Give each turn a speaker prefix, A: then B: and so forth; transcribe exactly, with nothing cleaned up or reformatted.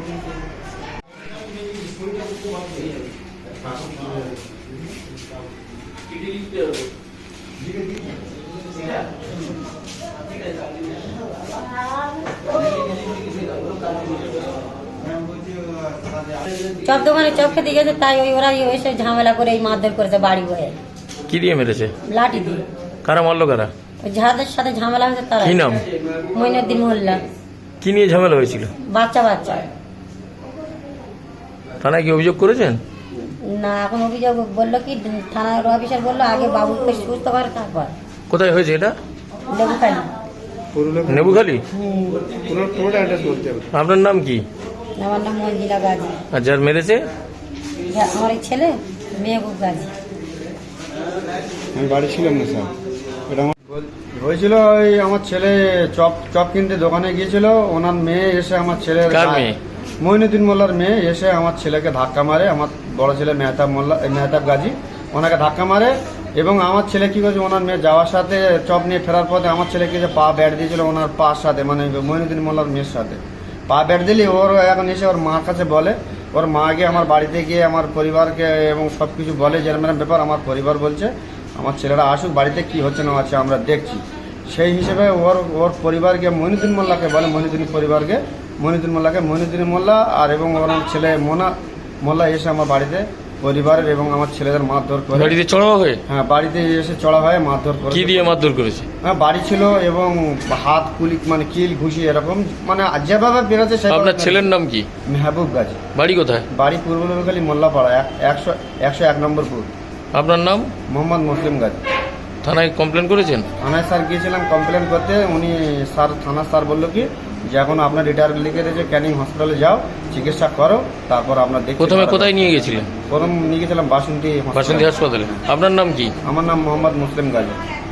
A: Chop দোকানে chop খেতে গেছে, তাই ওই ওরা এসে ঝামেলা করে এই মারধর করেছে বাড়ি বয়ে।
B: কি দিয়ে মেরেছে?
A: লাঠি দিয়ে।
B: কারা মারলো কারা?
A: ওই যাদের সাথে ঝামেলা হয়েছে তারা।
B: কি নাম?
A: মইনুদ্দিন মোল্লা।
B: কি নিয়ে ঝামেলা হয়েছিল?
A: বাচ্চা বাচ্চা।
B: থানায় কি অভিযোগ করেছেন?
A: না, এখন অভিযোগ বললো কি থানার অফিসার বললো আগে বাবুকে সুস্থ করে তারপর।
B: কোথায় হয়েছে এটা?
A: লেবুখালি।
B: নেবুখালি।
A: হুম।
B: আপনার নাম কি?
A: আমার নাম মঞ্জিলা গাজী।
B: আর যার মেরেছে?
A: আমার এই ছেলে মেহবুব গাজী।
C: আমি বাড়ি ছিলাম না স্যার। এটা আমার হয়েছিল ওই আমার ছেলে চপ চপ কিনতে দোকানে গিয়েছিল, ওনার মেয়ে এসে আমার ছেলের
B: কার মেয়ে?
C: মইনুদ্দিন মোল্লার মেয়ে এসে আমার ছেলেকে ধাক্কা মারে। আমার বড় ছেলে মেহতাব মোল্লা মেহতাব গাজী ওনাকে ধাক্কা মারে এবং আমার ছেলে কি করেছে, ওনার মেয়ে যাওয়ার সাথে চপ নিয়ে ফেরার পথে আমার ছেলেকে যে পা ব্যাট দিয়েছিল ওনার পার সাথে, মানে মইনুদ্দিন মোল্লার মেয়ের সাথে পা ব্যাট দিলে ওর এখন এসে ওর মার কাছে বলে, ওর মা গিয়ে আমার বাড়িতে গিয়ে আমার পরিবারকে এবং সব কিছু বলে যেরকম এরকম ব্যাপার। আমার পরিবার বলছে আমার ছেলেরা আসুক, বাড়িতে কি হচ্ছে না হচ্ছে আমরা দেখছি। সেই হিসেবে ওর ওর পরিবারকে মইনুদ্দিন মোল্লাকে বলে, মইনুদ্দিন পরিবারকে মইনুদ্দিন মোল্লাকে মইনুদ্দিন মোল্লা আর এবং ওর ছেলে মোনা মোল্লা এসে আমার বাড়িতে পরিবারের এবং আমার ছেলেদের মারধর করে।
B: বাড়িতে চড়াও হয়ে?
C: হ্যাঁ, বাড়িতে এসে চড়া হয়ে মারধর করে।
B: কি দিয়ে মারধর করেছে?
C: হ্যাঁ, বাড়ি ছিল এবং হাত কুলি মানে কিল ঘুষি এরকম মানে যেভাবে বেরোচ্ছে।
B: আপনার ছেলের নাম কি?
C: মেহবুব গাজী।
B: বাড়ি কোথায়?
C: বাড়ি পূর্ব নবীখালী মোল্লাপাড়া একশো একশো এক নম্বর পুর।
B: আপনার নাম?
C: মোহাম্মদ মুসলিম গাজী।
B: থানায় কমপ্লেন করেছেন?
C: থানায় স্যার গিয়েছিলাম কমপ্লেন করতে, উনি স্যার থানার স্যার বললো কি যে এখন আপনার রিটায়ার লিখে দিয়েছে, ক্যানিং হসপিটালে যাও চিকিৎসা করো, তারপর আপনার দেখি।
B: প্রথমে কোথায় নিয়ে গেছিলেন?
C: প্রথম নিয়ে গেছিলাম বাসন্তী
B: বাসন্তী হাসপাতালে। আপনার নাম কি?
C: আমার নাম মোহাম্মদ মুসলিম গাজী।